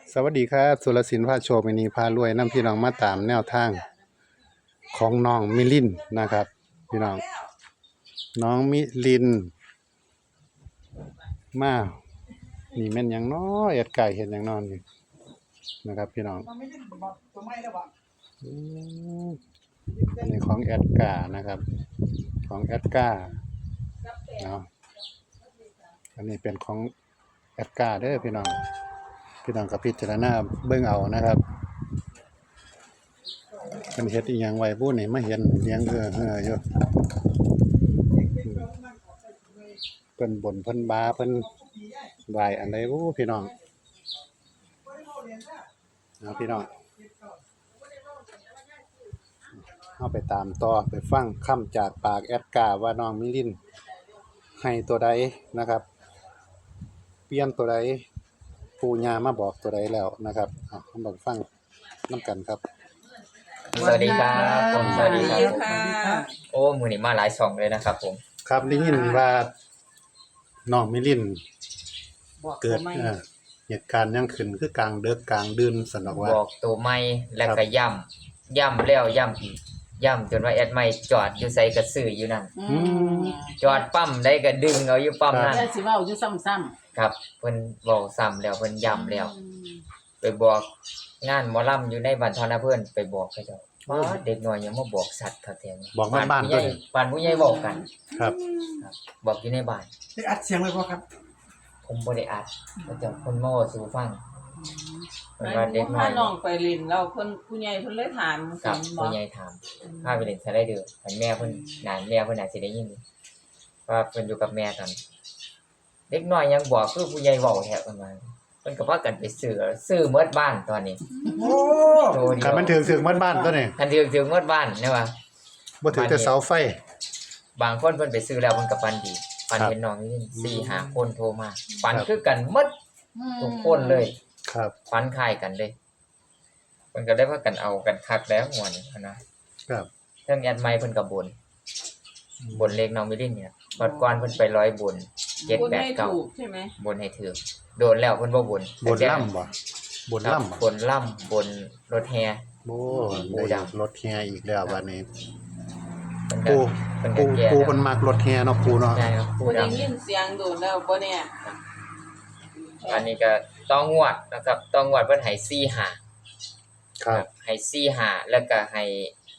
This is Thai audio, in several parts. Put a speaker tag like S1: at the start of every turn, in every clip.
S1: สวัสดีครับสุรศิลป์พาโชคมินีพารวยนำพี่น้องมาตามแนวทางของน้องมิลินนะครับพี่น้องน้องมิลินมานี่แม่นหยังน้อแอดไก่เห็นหยังนอนนี่นะครับพี่น้องอืมอันนี้ของแอดกานะครับของแอดกาเนาะอันนี้เป็นของแอดกาเด้อพี่น้องกับพิจารณาเบิ่งเอานะครับเพิ่นเฮ็ดอีหยังไว้ผู้นี่มาเห็นเลี้ยงอยู่เพิ่นบ่นเพิ่นบาเพิ่นไหว้อันใดบ่พี่น้องเอาพี่น้องเฮาไปตามต่อไปฟังคำจากปากแอดกาว่าน้องมิลินให้ตัวใดนะครับเปลี่ยนตัวใดปู่ย่ามาบอกตัวใดแล้วนะครับเอามาฟังนำกันครับ
S2: สวัสดีครับผมสวัสดีครับผม
S3: ค่ะ
S2: โอ้มือนี้มาหลายช่องเลยนะครับผม
S1: ครับได้ยินว่าน้องมิลิน
S3: บอก
S1: เกิด
S3: ไม่
S1: เหตุการณ์ยังขึ้นคือกลางดึกกลางดื่นสันดอกว่า
S2: บอกตัวไม่แล้วก็ย่ำแล้วย่ำอีกย่ำจนว่าแอดไม่จอดอยู่ใส่กระสืออยู่นั่นจอดปั๊มได้ก็ดึงเอาอยู่ปั๊มนั่น
S3: แล้วสิเว้าอยู่ซ้ำ
S2: ครับเพิ่นบอกซ้ำแล้วเพิ่นย่ำแล้วไปบอกงานหมอลำอยู่ในบ้านทอนะเพิ่นไปบอกเขาเจ้าว่าเด็กน้อยยังมาบอกสัตว์เขาแทง
S1: บอกบ้านๆ
S2: ผู้ใหญ่
S1: ตัวนี้
S2: บ้านผู้ใหญ่บอกกัน
S1: ครับ
S2: ครับบอกอยู่ในบ้าน
S4: ได้อัดเสียงไว้บ่ครับ
S2: ผมบ่ได้อัดเขาเจ้าเพิ่นมาเว้าสู่ฟัง
S3: ๆ
S2: เพิ่นว่าเด็กน้อ
S3: พาย น้องไปเลินแล้วเพิ่นผู้ใหญ่เพิ่นเลยถาม
S2: ครับ
S3: บ่
S2: ผู้ใหญ่ถามพาไปเล่นสไลเดอร์ให้แม่เพิ่นแม่เพิ่นน่าสิได้ยินว่าเพิ่นอยู่กับแม่ตอนเด็กน้อยยังบอกคือผู้ใหญ่เว้าแท้เพิ่นว่าเพิ่นก็พากันไปซื้อหมดบ้านตอนนี้
S4: โอ้
S2: โตเดี
S1: คันมันถึงบ้านตัวนี้
S2: คันถึงหมดบ้านนะว่า
S1: บ่ถึงแต่เสาไฟ
S2: บางคนเพิ่นไปซื้อแล้วเพิ่นก็ฝันดีฝัน
S1: ครับ
S2: เห็นน้องนี่4-5คนโทรมาฝัน
S1: ครับ
S2: คือกันหมดทุกคนเลย
S1: ครับ
S2: ฝันคล้ายกันเลยเพิ่นก็ได้พากันเอากันคักแล้วม่วนนี่นะครับ เรื่องแอดไมค์เพิ่นก็บนเลขน้องมิลินเนี่ยบัดก่อนเพิ่นไป100บน
S3: คนให้ถูก
S2: 789
S3: ใช่ไหม
S2: บนให้ถือโดนแล้วเพิ่นบ่บน
S1: บนล่ำบ่บน
S2: ครับ
S1: ล่ำบ่
S2: บนล่ำบนรถแฮ
S1: โอ้
S2: ปู
S1: ได้
S2: ดำ
S1: รถแฮอีกแล้ววันนี้
S2: เพิ่นก็
S1: ปู
S2: เพิ่นก็แก้
S1: ปู
S2: แล้ว
S1: มันมักรถแฮเนาะปูเนาะ
S2: ใช่ครับผู้
S3: บ่ได้
S2: ดำ
S3: ยินเสียงโดนแล้วบ่เนี่ย
S2: อันนี้ก็ต้องงวดนะครับต้องงวดเพิ่นให้45
S1: ครับ
S2: ให้45แล้วก็ให้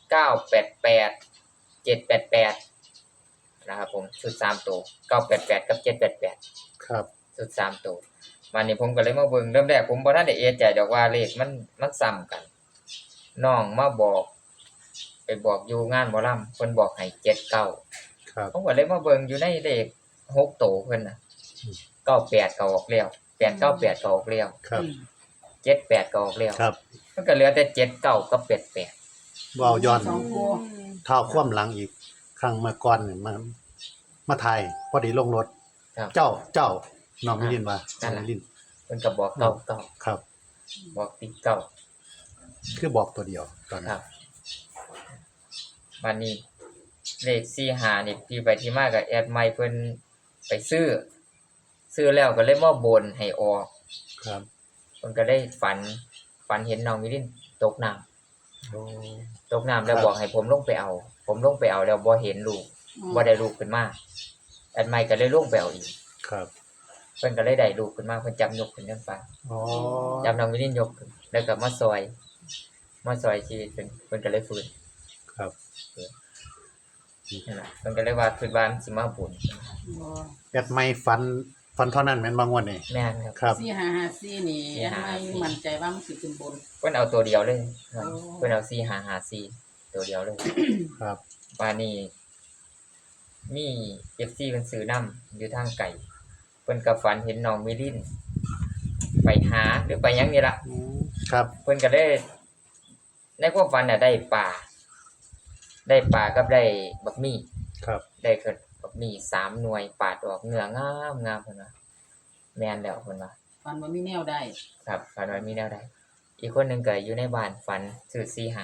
S2: 988 788นะครับผมชุด3ตัว988กับ788
S1: ครับ
S2: สุด3ตัววันนี้ผมก็เลยมาเบิ่งเริ่มแรกผมบ่ทันได้เอะใจดอกว่าเลขมันซ้ำกันน้องมาบอกไปบอกอยู่งานหมอลำเพิ่นบอกให้79
S1: ครับ
S2: ผมก็เลยมาเบิ่งอยู่ในเลข6ตัวเพิ่นน่ะ98ก็ออกแล้ว898ก็ออกแล้ว
S1: ครับ
S2: 78ก็ออกแล้ว
S1: ครับ
S2: มันก็เหลือแต่79กับ88
S1: เว้าย้อน
S3: สองคู่
S1: เท้าคว่ำหลังอีกครั้งเมื่อก่อนนี่มาถ่ายพอดีลงรถ
S2: ครับ
S1: เจ้าน้องมิลินว่าน้องมิลิน
S2: เพิ่นก็บอก99
S1: ครับ
S2: บอกติดเก้า
S1: คือบอกตัวเดียวตอน
S2: ค
S1: นั้
S2: รั
S1: น
S2: บวันนี้เลข45นี่ที่ไปที่มากับแอดไมค์เพิ่นไปซื้อแล้วก็เลยมาบนให้ออก
S1: ครับ
S2: เพิ่นก็ได้ฝันเห็นน้องมิลินตกน้ำ
S1: โอ้
S2: ตกน้ำแล้วบอกให้ผมลงไปเอา ผมลงไปเอาแล้วบ่เห็นลูกบ่ได้ลูกขึ้นมาแอดไมค์ก็เลยลงไปเอาอีก
S1: ครับ
S2: เพิ่นก็เลยได้ลูกขึ้นมาเพิ่นจับยกขึ้นจังฟ้า
S1: อ๋อ
S2: จับน้องมิลินยกขึ้นแล้วก็มาซอยชีวิตเพิ่นก็เลยฟื้น
S1: ครับ
S2: นั่นล่ะเพิ่นก็เลยว่าคิดว่ามันสิมาบุญ
S1: แอดไม่ฟันเท่านั้นแม่นบางวันนี่
S2: แม่นครับ
S1: ครับ
S3: 4554นี่ไม่มั่นใจว่ามันสิขึ้นบน
S2: เพิ่นเอาตัวเดียวเลยครับ
S3: โอ้
S2: เพิ่นเอา4554ตัวเดียวเลย
S1: ครับ
S2: ว่านี่มี FC เพิ่นซื้อนํอยู่ทางไกลเพิ่นก็ฝันเห็นน้องมิลินไปหาหรือไปหยังนี่ล่ะ
S1: ครับ
S2: เพิ่นก็ได้ในความฝันน่ะได้ปลากับได้บักหมี่
S1: ครับ
S2: ได้เกิดบักหมี่3หน่วยปาดออกเนื้องามๆเพิ่นว่าแม่นแล้วเพิ่นว่า
S3: ฟันว่ามีแนวได้
S2: ครับฝันว่ามีแนวใดอีกคนหนึงก็อยู่ในบ้านฝันซื้อ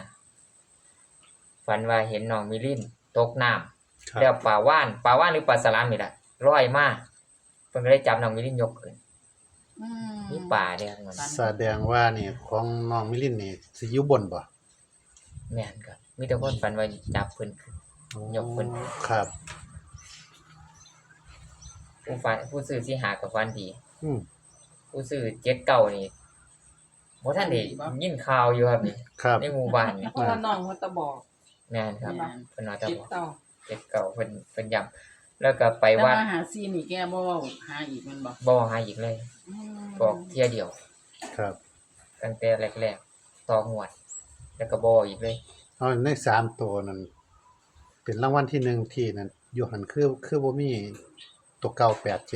S2: 45ฝันว่าเห็นน้องมิลินตกน้ำ
S1: ครับ
S2: แล้วปลาว่านหรือปลาสลามนี่แหละร้อยมากเพิ่นก็ได้จับน้องมิลินยกขึ้น
S3: อืม
S2: มีป่าเด้อมัน
S1: แสดงว่านี่ของน้องมิลินนี่สิอยู่บนบ่
S2: แม่นครับมีแต่คนฝันว่าจับเพิ่นขึ้น ยกขึ้น
S1: ครับ
S2: ผู้ซื้อสิหากับฝันดี
S1: อืม
S2: ผู้ซื้อ79นี่บ่ทันได้ยินข่าวอยู่ครับนี่
S1: ครับ
S2: ในหมู่บ้านนี่
S3: เพราะว่าน้องมันตะบอก
S2: แม่นครับ
S3: แม่น
S2: เพิ่นว่าจะ
S3: เจ็บ
S2: บอก
S3: เต่า
S2: 79เพิ่นย้ำแล้วก็ไป
S3: แต่
S2: วัด
S3: ว่าหาซีนี่แกบ่เว้าหาอีกแมันบ่
S2: บ่หาอีกเลย
S3: อืม
S2: บอกเที่ยเดียว
S1: ครับ
S2: ตั้งแต่แรกๆต่อหวด แล้วก็บ่อีกเลย
S1: เอาใน3ตัวนั้นเป็นรางวัลที่1ที่นั่นอยู่หันคือบ่มีตัวเก่า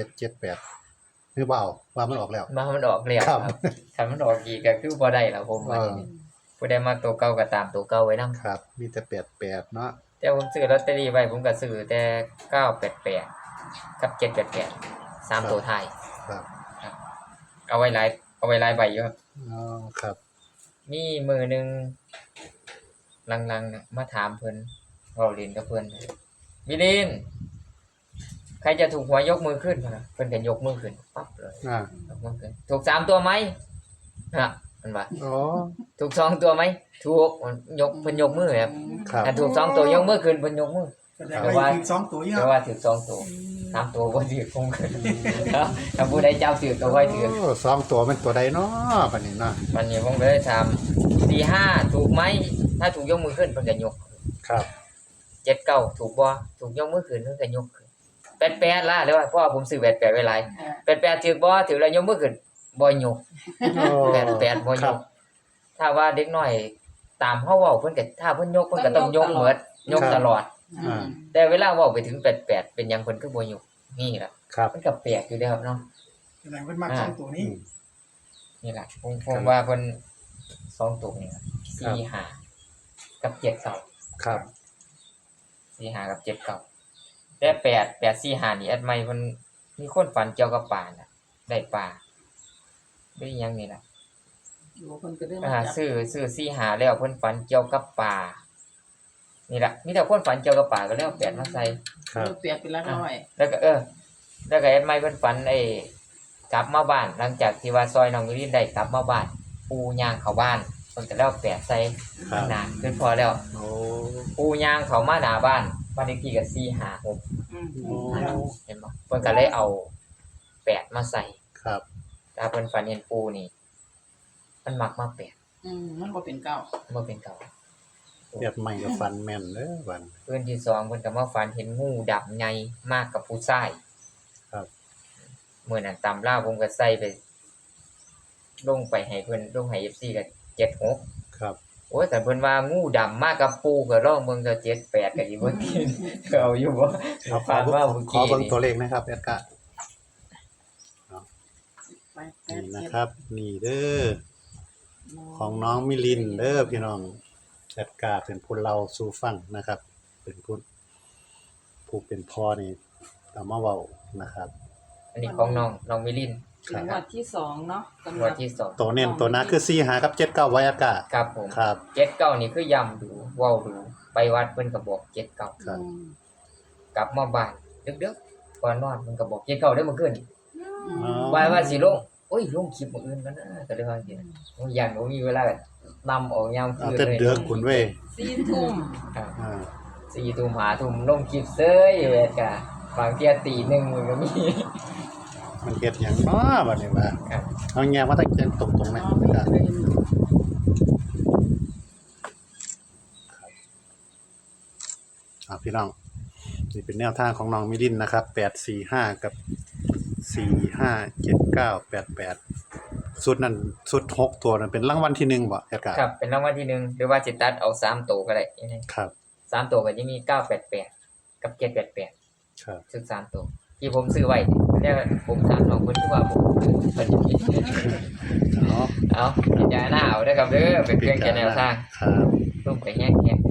S1: 8778หรือบ่เอาว่ามันออกแล้ว
S2: มามันออกแล้ว
S1: ครับ
S2: ครับถ้ามันออกอีกก็คือบ่ได้แล้วผมว่า ผู้ใดมักตัวเก่าก็ตามตัวเก่าไว้นำ
S1: ครับ มีแต่88เนาะ
S2: แต่ผมซื้อลอตเตอรี่ไว้ผมก็ซื้อแต่988กับ788 3ตัวท้าย
S1: ครับ
S2: เอาไว้หลายใบอยู่ครับ
S1: อ๋อครับ
S2: มีมื้อหนึงหลังๆน่ะมาถามเพิ่นเว้าเล่นกับเพิ่นมิลินใครจะถูกหวยยกมือขึ้นพุ่นน่ะเพิ่นก็ยกมือขึ้นปั๊บเลย
S1: อ่าย
S2: กมือขึ้นถูก3ตัวไหมฮะมันว่า
S1: อ๋อ
S2: ถูก2ตัวไหมถูกมันยกเพิ่นยกมือครับ
S1: ครับ
S2: ถ้าถูก2ตัวยกมือขึ้นเพิ่นยกมือ
S4: แสดงว่าถึง2ตัวอยู่
S2: แต่
S4: เนาะ
S2: ว่าถือ2ตัว3ตัวบ่ถือคงขึ้นครับถ้าผู้ใดจับถือก็ค่อยถือ
S1: โอ้2ตัวเป็นตัวใดเนาะบัดนี้เนาะ
S2: วันนี้ผมก็เลยถาม45ถูกไหมถ้าถูกยกมือขึ้นเพิ่นก็ยก
S1: ครับ
S2: 79ถูกบ่ถูกยกมือขึ้นเพิ่นก็ยกขึ้น88ล่ะหรือว่าเพราะว่าผมซื้อ88ไว้หลาย88ถือบ่ถือแล้วยกมือขึ้นบ่ยก
S1: โอ้
S2: 88บ่
S1: ค
S2: ย
S1: รับ
S2: กถ้าว่าเด็กน้อยตามเฮาเว้าเพิ่นก็ถ้าเพิ่นยกเพิ่นก็ต้องยกหมดยกตลอด
S3: อืม
S2: แต่เวลาเว้าไปถึง88เป็นหยังเพิ่นคือบ่ยกนี่ล่ะ
S1: ครับ
S2: มันก็แปลกอยู่เด้อครับเนาะ
S4: แสดงว่ามัก2ตัวนี้
S2: นี่ล่ะผมว่าเพิ่น2ตัวนี่ครับ45กับ79
S1: ครับ
S2: 45กับ79แต่8845นี่แอดใหม่เพิ่นมีคนฝันเกี่ยวกับปลาน่ะได้ปลาได้หยังนี่ล่ะ
S3: อยู่เพิ่นก็ได้มาจับ
S2: ซื้อ45แล้วเพิ่นฝันเกี่ยวกับปลานี่ล่ะมีแต่คนฝันเกี่ยวกับปลาก็เลยเอา8มาใส่
S1: ครับ
S3: เปรียบเป็นหลักร้อย
S2: แล้วก็แล้วก็แอดไมค์เพิ่นฝันกลับมาบ้านหลังจากที่ว่าซอยน้องมิลินได้กลับมาบ้านปูย่างเข้าบ้านเพิ่นก็แล้วแปะใส่
S1: ครับ
S2: หน้าขึ้นพอแล้ว
S1: โอ้
S2: ปูย่างเข้ามาหน้าบ้านบ้านเลขที่ก็456
S3: อืม
S1: โอ้
S2: เห็นบ่เพิ่นก็เลยเอาแปะมาใส่
S1: ครับ
S2: ถ้าเพิ่นฝันเห็นปูนี่มันมักมาแปะ
S3: มันบ่เป็นเก้า
S2: บ่เป็นเก่า
S1: เรียบใหม่กับฟันแม่นเด้อบัด
S2: คืนที่2เพิ่นก็มาฝันเห็นงูดำใหญ่มากกับผู้ชาย
S1: ครับ
S2: มื้อนั้นตำราผมก็ใส่ไปลงไปให้เพิ่นลงให้ FC ก็76
S1: ครับ
S2: โอ้ยแต่เพิ่นว่างูดำมากับปูก็ลองเบิ่งเจ้า78ก็สิบ่กิน เอาอยู่บ่
S1: เอาขอ
S2: ฝันว่าเมื่อ
S1: ขอ
S2: กี้
S1: เบิ่ง
S2: นี่
S1: ตัวเลขนะครับแอดกะ
S3: ไปแป
S1: นี่
S3: ด
S1: นะ
S3: เจ็ด
S1: ครับ นี่เด้อของน้องมิลินเด้อพี่น้องแอดกะเป็นผู้เล่าสู่ฟังนะครับ เป็นผู้เป็นพ่อนี่เอามาเว้านะครับ
S2: อันนี้ของน้องมิลิน
S3: เป็นงวดที่สองเนาะสำห
S2: งว
S3: รั
S2: ด
S3: บ
S2: ที่2
S1: ตัวเน้นตัวหน้าคือ4หากับ79ไว้แอดกะ
S2: ครับผม
S1: ครับ
S2: 79นี่คือย้ำดูเว้าดูไปวัดเพิ่นก็บอก79
S1: ครับ
S2: กลับมาบ้านดึกๆก่อนนอนเพิ่นก็บอก79ได้อเมื่อคืน
S1: อ๋อ
S2: ว่าสิลงโอ้ยลงคลิปมื้ออื่นกันนะก็เลยว่าจังซี่นะผมย้านบ่มีเวลานำออกยาม
S1: เอา
S2: คืน
S1: แต่
S2: เลย
S1: เดือกคุณเว้ย
S3: 4 ทุ่ม
S2: ครับ
S1: อ่า
S2: 4 ทุ่ม5ทุ่มลงคลิปเซยเวทกะบางเที่ยตีหนึ่งมันก็มี
S1: มันเฮ็ดหยังเนาะบัดนี้ว่า
S2: ครับ
S1: เอาแยกมาตั้งใจตรงๆนะ
S3: น้องมิลิน
S1: พี่น้องนี่เป็นแนวทางของน้องมิลินนะครับ845กับ457988สุดนั้นสุด6ตัวนั้นเป็นรางวัลที่1บ่แอดกะ
S2: ครับเป็นรางวัลที่หนึ่งหรือว่าสิตัดเอา3ตัวก็ได้ยังไง
S1: ครับ
S2: 3ตัวก็จะมี988กับ788
S1: ครับ
S2: ซึ่ง3ตัวที่ผมซื้อไว้เนี่ยผมถามน้องเพิ่นคือว่าผมเพิ่นผิด
S1: เนาะ
S2: เอาพิจารณาเอาเด้อครับเด้อเป็นเพียงแค่แนวทาง
S1: ครับ
S2: ลงไปแฮก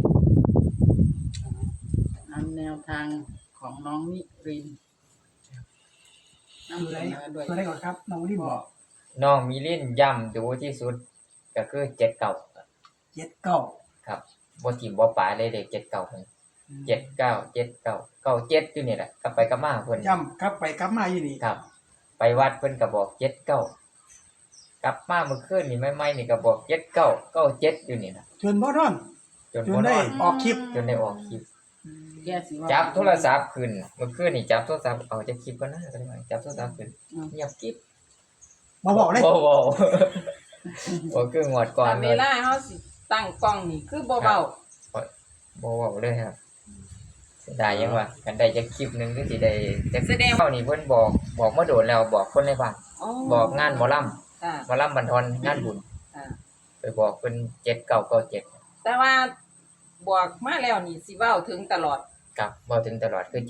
S3: อันแนวทางของน้องมิริน
S4: ตัวไหน
S3: นำเสนอด้วย
S4: ตัวไหนก่อนครับน้องที่บอก
S2: น้องมิลินย้ำดูที่สุดก็คือ79
S4: 79
S2: ครับบ่ทิ่มบ่ปาเลยเด็ก79เพิ่น79 79 97อยู่นี่แหละกลับไปกลับมาเพิ่น
S4: ย่ำกลับไปกลับมาอยู่นี่
S2: ครับไปวัดเพิ่นก็บอก79กลับมาเมื่อคืนนี่ใหม่ๆนี่ก็บอก7997อยู่นี่น่ะ
S4: จนบ่นอน
S2: จน
S4: จ
S2: บ่
S4: น
S2: น
S4: ได้
S2: อน
S4: ออกคลิป
S2: จนได้ออกคลิป
S3: แกสิว่า
S2: จับโทรศัพท์ขึ้นเมื่อคืนนี่จับโทรศัพท์เอาจะคลิปก็น่าก็ได้จับโทรศัพท์ขึ้นเงียบกิ๊บ
S4: มาบอกเลย
S2: บ่บ่คืองวดก่อน
S3: แต่เวลาเฮาสิตั้งกล้องนี่คือบ่เบา
S2: บ่เว้าเลยครับเสียดายยังว่ากันได้จักคลิปหนึงคือสิได้จักแสดงเฮานี่เพิ่นบอกมาโดนแล้วบอกคนในบ้านบอกงานหมอลำ
S3: ค่ะ
S2: หมอลำบันทอนงานบุญ
S3: ค่ะ
S2: ไปบอกเพิ่น7997
S3: แต่ว่าบอกมาแล้วนี่สิเว้าถึงตลอด
S2: ครับเว้าถึงตลอดคือ79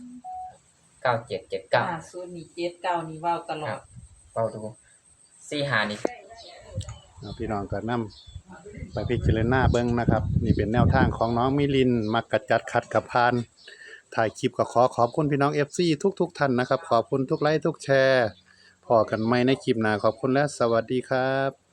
S2: 9779
S3: ศูนย์นี่79นี่เว้าตลอ
S2: ครั
S3: ด
S2: บ เว้าดู45นี่
S1: เอาพี่น้องก็นำไปพิจารณาเบิ่งนะครับ นี่เป็นแนวทางของน้องมิลินมักกะจัดขัดกับพาน ถ่ายคลิปก็ขอบคุณพี่น้อง FC ทุกท่านนะครับ ขอบคุณทุกไลค์ทุกแชร์พอกันใหม่ในคลิปหน้าขอบคุณและสวัสดีครับ